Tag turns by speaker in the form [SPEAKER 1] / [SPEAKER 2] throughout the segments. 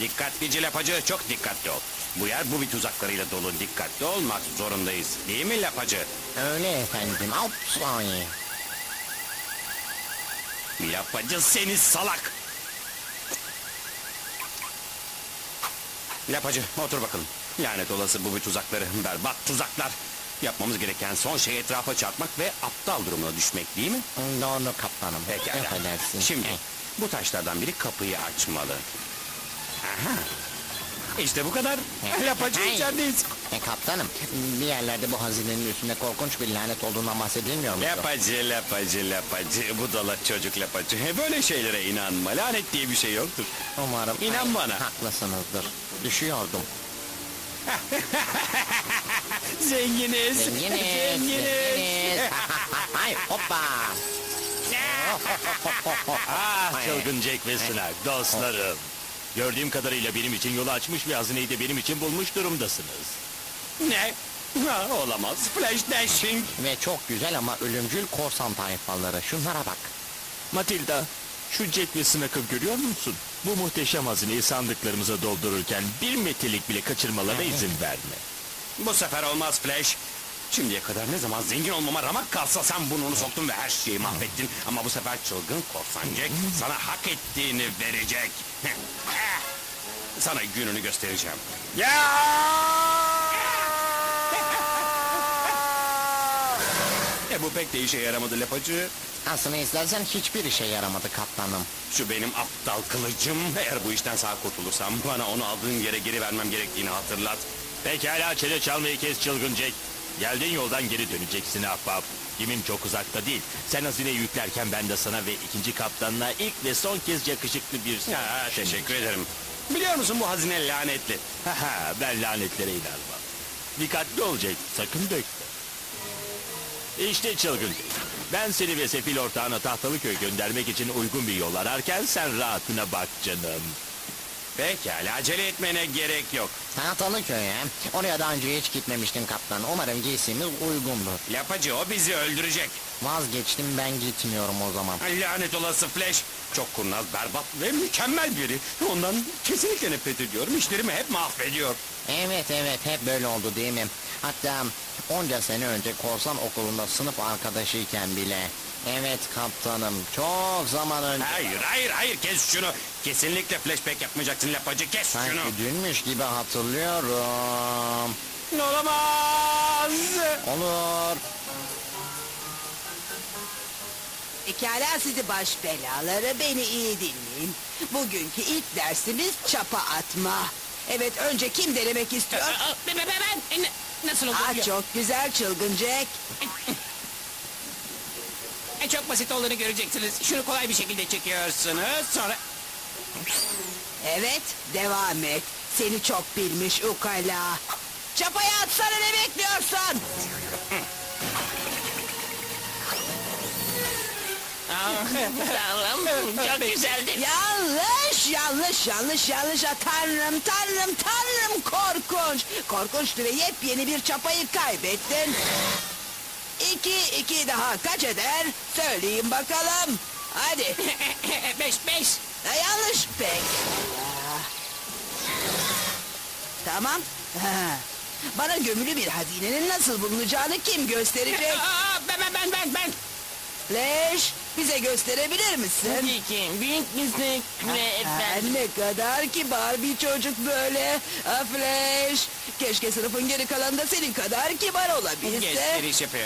[SPEAKER 1] Dikkatlice lapacı, çok dikkatli ol. Bu yer bu bir tuzaklarıyla dolu, dikkatli olmak zorundayız. Değil mi lapacı?
[SPEAKER 2] Öyle efendim. Ay.
[SPEAKER 1] Lapacı seni salak! Lapacı otur bakalım. Lanet olası bu bir tuzakları, berbat tuzaklar. Yapmamız gereken son şey etrafa çarpmak ve aptal durumuna düşmek değil mi?
[SPEAKER 2] Doğru kaptanım.
[SPEAKER 1] Pekala.
[SPEAKER 2] Affedersin.
[SPEAKER 1] Şimdi bu taşlardan biri kapıyı açmalı. Aha. İşte bu kadar. Lapacı içerideyiz.
[SPEAKER 2] Kaptanım, bir yerlerde bu hazinenin üstünde korkunç bir lanet olduğundan bahsedilmiyor mu?
[SPEAKER 1] Lapacı, lapacı, lapacı. Budala çocuk lapacı. Böyle şeylere inanma. Lanet diye bir şey yoktur.
[SPEAKER 2] Umarım.
[SPEAKER 1] İnan bana.
[SPEAKER 2] Haklısınızdır. Düşüyordum.
[SPEAKER 1] Zenginiz.
[SPEAKER 2] Zenginiz. Ay hoppa.
[SPEAKER 3] Çılgın Jack ve Snark, dostlarım. Gördüğüm kadarıyla benim için yolu açmış ve hazineyi de benim için bulmuş durumdasınız.
[SPEAKER 1] Ne? Ha, olamaz. Flash dashing.
[SPEAKER 2] Ve çok güzel ama ölümcül korsan tayfaları. Şunlara bak.
[SPEAKER 3] Matilda, şu Jack ve Snark'ı görüyor musun? Bu muhteşem hazineyi sandıklarımıza doldururken bir metrelik bile kaçırmalarına izin verme.
[SPEAKER 1] Bu sefer olmaz Flash. Şimdiye kadar ne zaman zengin olmama ramak kalsa sen burnunu soktun ve her şeyi mahvettin. Ama bu sefer çılgın korsan Jack sana hak ettiğini verecek. Sana gününü göstereceğim. Bu pek de işe yaramadı lapacı.
[SPEAKER 2] Aslında istersen hiçbir işe yaramadı kaptanım.
[SPEAKER 1] Şu benim aptal kılıcım. Eğer bu işten sağ kurtulursam bana onu aldığın yere geri vermem gerektiğini hatırlat.
[SPEAKER 3] Pekala, çene çalmayı kes çılgın Jack. Geldiğin yoldan geri döneceksin ahbap. Kimin çok uzakta değil. Sen hazineyi yüklerken ben de sana ve ikinci kaptanına ilk ve son kez yakışıklı bir...
[SPEAKER 1] Ya, teşekkür ederim. Biliyor musun bu hazine lanetli.
[SPEAKER 3] Haha, ben lanetlere inanmam. Dikkatli ol Jack, sakın dökme. İşte çılgın Jack. Ben seni ve sefil ortağına Tahtalıköy'e göndermek için uygun bir yol ararken sen rahatına bak canım.
[SPEAKER 1] Pekala, acele etmene gerek yok.
[SPEAKER 2] Tahtalıköy'e. Oraya daha önce hiç gitmemiştim kaptan. Umarım giysimiz uygundur.
[SPEAKER 1] Lapacı o bizi öldürecek.
[SPEAKER 2] Vazgeçtim, ben gitmiyorum o zaman.
[SPEAKER 1] Lanet olası Flash. Çok kurnaz, berbat ve mükemmel biri. Ondan kesinlikle nefret ediyorum. İşlerimi hep mahvediyor.
[SPEAKER 2] Evet hep böyle oldu değil mi? Hatta onca sene önce korsan okulunda sınıf arkadaşıyken bile. Evet kaptanım, çok zaman önce.
[SPEAKER 1] Hayır, kes şunu. Kesinlikle flashback yapmayacaksın lapacı, kes
[SPEAKER 2] Sanki
[SPEAKER 1] şunu.
[SPEAKER 2] dünmüş gibi hatırlıyorum.
[SPEAKER 1] Olamaz.
[SPEAKER 2] Olur.
[SPEAKER 4] Pekala sizi baş belaları, beni iyi dinleyin. Bugünkü ilk dersimiz çapa atma. Evet, önce kim denemek istiyor?
[SPEAKER 5] Ben. Nasıl olur?
[SPEAKER 4] Çok güzel çılgın Jack.
[SPEAKER 5] Çok basit olduğunu göreceksiniz. Şunu kolay bir şekilde çekiyorsunuz. Sonra...
[SPEAKER 4] Evet, devam et. Seni çok bilmiş ukala. Çapaya atsana, ne bekliyorsun?
[SPEAKER 5] Tanrım, çok güzeldi.
[SPEAKER 4] Yanlış. Tanrım, korkunç. Korkunçtu ve yepyeni bir çapayı kaybettin. İki daha kaç eder? Söyleyin bakalım. Hadi.
[SPEAKER 5] 5.
[SPEAKER 4] Yanlış pek. Tamam. Bana gömülü bir hazinenin nasıl bulunacağını kim gösterecek?
[SPEAKER 5] Ben.
[SPEAKER 4] Flash, bize gösterebilir misin?
[SPEAKER 5] ki. Büyük bir zevkle
[SPEAKER 4] Ne kadar kibar bir çocuk böyle. Flash, keşke sınıfın geri kalanında senin kadar kibar olabilse.
[SPEAKER 1] Gösteriş yapıyor.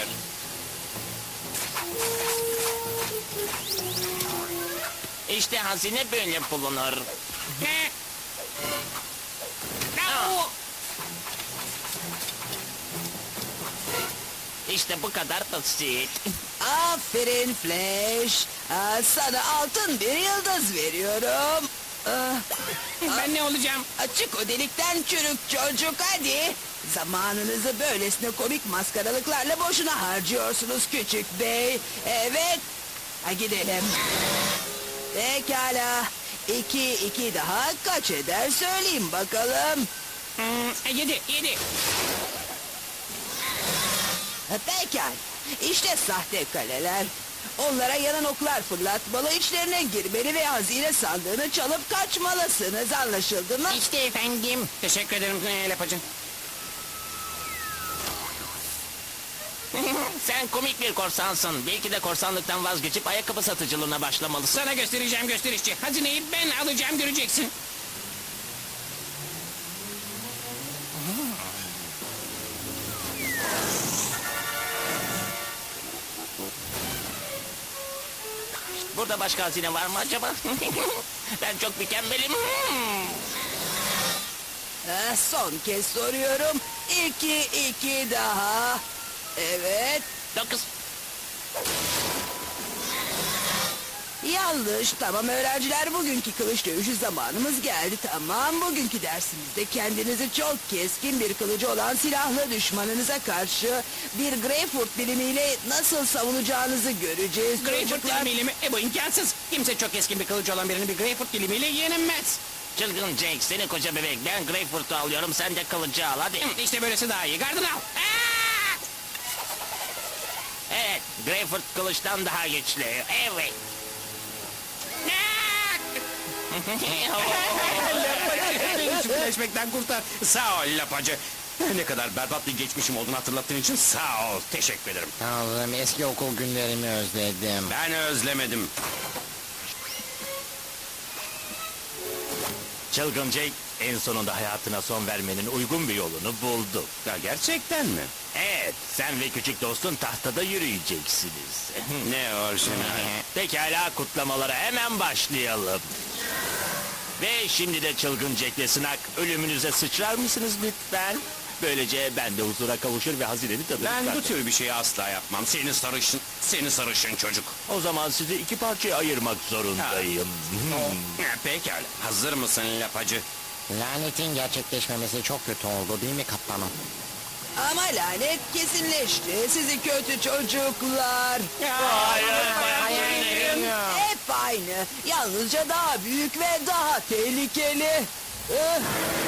[SPEAKER 5] İşte hazine böyle bulunur. İşte bu kadar basit.
[SPEAKER 4] Aferin Flash. Sana altın bir yıldız veriyorum.
[SPEAKER 5] Ben ne olacağım?
[SPEAKER 4] Açık o delikten çürük çocuk, hadi. Zamanınızı böylesine komik maskaralıklarla boşuna harcıyorsunuz küçük bey. Evet. Gidelim. Pekala. İki daha kaç eder söyleyeyim bakalım.
[SPEAKER 5] 7.
[SPEAKER 4] Pekala. İşte sahte kaleler. Onlara yanan oklar fırlatmalı, içlerine girmeli ve hazine sandığını çalıp kaçmalısınız. Anlaşıldı mı?
[SPEAKER 2] İşte efendim.
[SPEAKER 5] Teşekkür ederim Lapacı.
[SPEAKER 3] Sen komik bir korsansın. Belki de korsanlıktan vazgeçip ayakkabı satıcılığına başlamalısın.
[SPEAKER 5] Sana göstereceğim gösterişçi. Hazineyi ben alacağım göreceksin.
[SPEAKER 3] Burada başka hazine var mı acaba? Ben çok mükemmelim.
[SPEAKER 4] Son kez soruyorum. İki daha. Evet.
[SPEAKER 3] 9.
[SPEAKER 4] Yanlış. Tamam öğrenciler, bugünkü kılıç dövüşü zamanımız geldi. Tamam, bugünkü dersimizde kendinizi çok keskin bir kılıcı olan silahlı düşmanınıza karşı bir Greyfurt dilimiyle nasıl savunacağınızı göreceğiz.
[SPEAKER 5] Greyfurt
[SPEAKER 4] çocuklar.
[SPEAKER 5] dilimiyle mi? Bu imkansız. Kimse çok keskin bir kılıcı olan birini bir Greyfurt dilimiyle yenemez.
[SPEAKER 3] Çılgın Jake, seni koca bebek. Ben Greyfurt'u alıyorum, sen de kılıcı al hadi.
[SPEAKER 5] İşte böylesi daha iyi. Gardını al. Aa!
[SPEAKER 3] Evet, Greyfurt kılıçtan daha güçlü. Evet.
[SPEAKER 5] Beni çiftleşmekten kurtar. Sağ ol Lapacı. Ne kadar berbat bir geçmişim olduğunu hatırlattığın için sağ ol. Teşekkür ederim.
[SPEAKER 2] Tanrım, eski okul günlerimi özledim.
[SPEAKER 1] Ben özlemedim.
[SPEAKER 3] Çılgın Jake, en sonunda hayatına son vermenin uygun bir yolunu buldu.
[SPEAKER 1] Ya gerçekten mi?
[SPEAKER 3] Evet, sen ve küçük dostun tahtada yürüyeceksiniz.
[SPEAKER 1] Ne orijinal.
[SPEAKER 3] Pekala, kutlamalara hemen başlayalım. Ve şimdi de Çılgın Jack'le Sınak, ölümünüze sıçrar mısınız lütfen? Böylece ben de huzura kavuşur ve hazineni tadını
[SPEAKER 1] Ben bu
[SPEAKER 3] çıkartırım.
[SPEAKER 1] tür bir şeyi asla yapmam. Seni sarışın çocuk.
[SPEAKER 3] O zaman sizi iki parçaya ayırmak zorundayım.
[SPEAKER 1] Pekala. Hazır mısın Lapacı?
[SPEAKER 2] Lanetin gerçekleşmemesi çok kötü oldu değil mi kaptanım?
[SPEAKER 4] Ama lanet kesinleşti. Sizi kötü çocuklar. Hep aynı. Yalnızca daha büyük ve daha tehlikeli. Ih,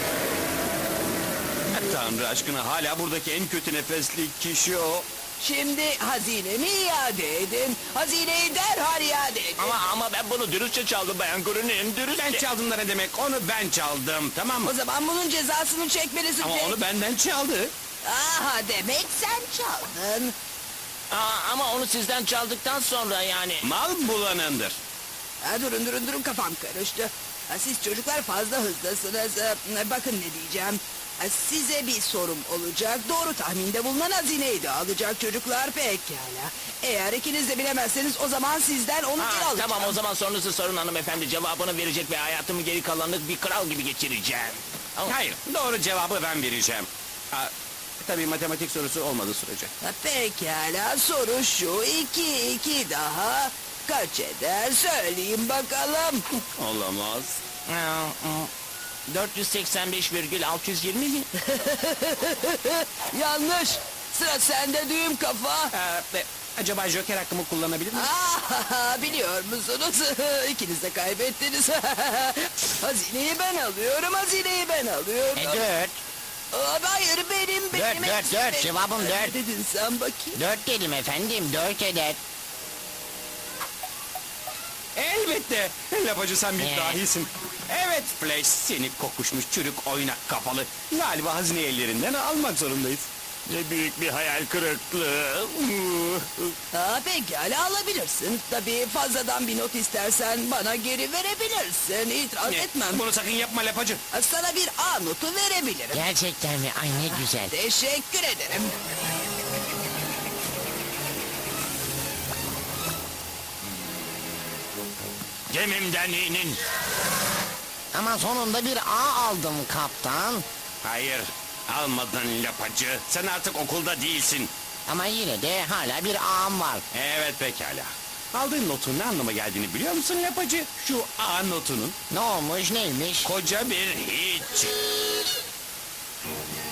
[SPEAKER 1] Tanrı aşkına hala buradaki en kötü nefesli kişi o.
[SPEAKER 4] Şimdi hazinemi iade edin. Hazineyi derhal iade edin.
[SPEAKER 3] Ama ben bunu dürüstçe çaldım Bayan Grun'un dürüstçe.
[SPEAKER 1] Ben çaldım da ne demek? Onu ben çaldım, tamam mı?
[SPEAKER 4] O zaman bunun cezasını çekmelisin.
[SPEAKER 1] Ama
[SPEAKER 4] Jack.
[SPEAKER 1] onu benden çaldı.
[SPEAKER 4] Aha, demek sen çaldın.
[SPEAKER 3] Ama onu sizden çaldıktan sonra yani.
[SPEAKER 1] Mal bulanındır.
[SPEAKER 4] Ha, durun kafam karıştı. Ha, siz çocuklar fazla hızlısınız. Bakın ne diyeceğim. Ha, size bir sorum olacak. Doğru tahminde bulunan hazineyi de alacak çocuklar, pekala. Eğer ikiniz de bilemezseniz o zaman sizden onu geri alacağım.
[SPEAKER 3] Tamam, o zaman sorunuzu sorun hanımefendi, cevabını verecek ve hayatımı geri kalanlık bir kral gibi geçireceğim.
[SPEAKER 1] Hayır, doğru cevabı ben vereceğim. Tabii matematik sorusu olmadığı sürece.
[SPEAKER 4] Ha, pekala, soru şu. İki daha kaç eder? Söyleyin bakalım.
[SPEAKER 1] Olamaz.
[SPEAKER 3] 485,620 mi?
[SPEAKER 4] Yanlış. Sıra sende düğüm kafa.
[SPEAKER 5] Acaba Joker hakkımı kullanabilir miyim?
[SPEAKER 4] Biliyor musunuz? İkiniz de kaybettiniz. Hazineyi ben alıyorum.
[SPEAKER 2] Dört.
[SPEAKER 4] Hayır, benim.
[SPEAKER 2] Dört. Cevabım
[SPEAKER 4] Ne
[SPEAKER 2] dört.
[SPEAKER 4] dedin sen bakayım?
[SPEAKER 2] 4 dedim efendim, 4 eder.
[SPEAKER 1] Elbette. Lapacı sen bir
[SPEAKER 2] Ne?
[SPEAKER 1] dahisin. Evet Flash, seni kokuşmuş çürük oynak kafalı. Galiba hazine ellerinden almak zorundayız.
[SPEAKER 3] Ne büyük bir hayal kırıklığı.
[SPEAKER 4] Pekala, alabilirsin. Tabii fazladan bir not istersen bana geri verebilirsin. İtiraz etmem.
[SPEAKER 1] Bunu sakın yapma Lapacı.
[SPEAKER 4] Sana bir A notu verebilirim.
[SPEAKER 2] Gerçekten mi? Ay ne güzel.
[SPEAKER 4] Teşekkür ederim.
[SPEAKER 3] Gemimden inin.
[SPEAKER 2] Ama sonunda bir A aldım kaptan.
[SPEAKER 1] Hayır, almadın Lapacı. Sen artık okulda değilsin.
[SPEAKER 2] Ama yine de hala bir A'm var.
[SPEAKER 1] Evet pekala. Aldığın notun ne anlama geldiğini biliyor musun Lapacı? Şu A notunun
[SPEAKER 2] Ne olmuş, neymiş?
[SPEAKER 1] koca bir hiç.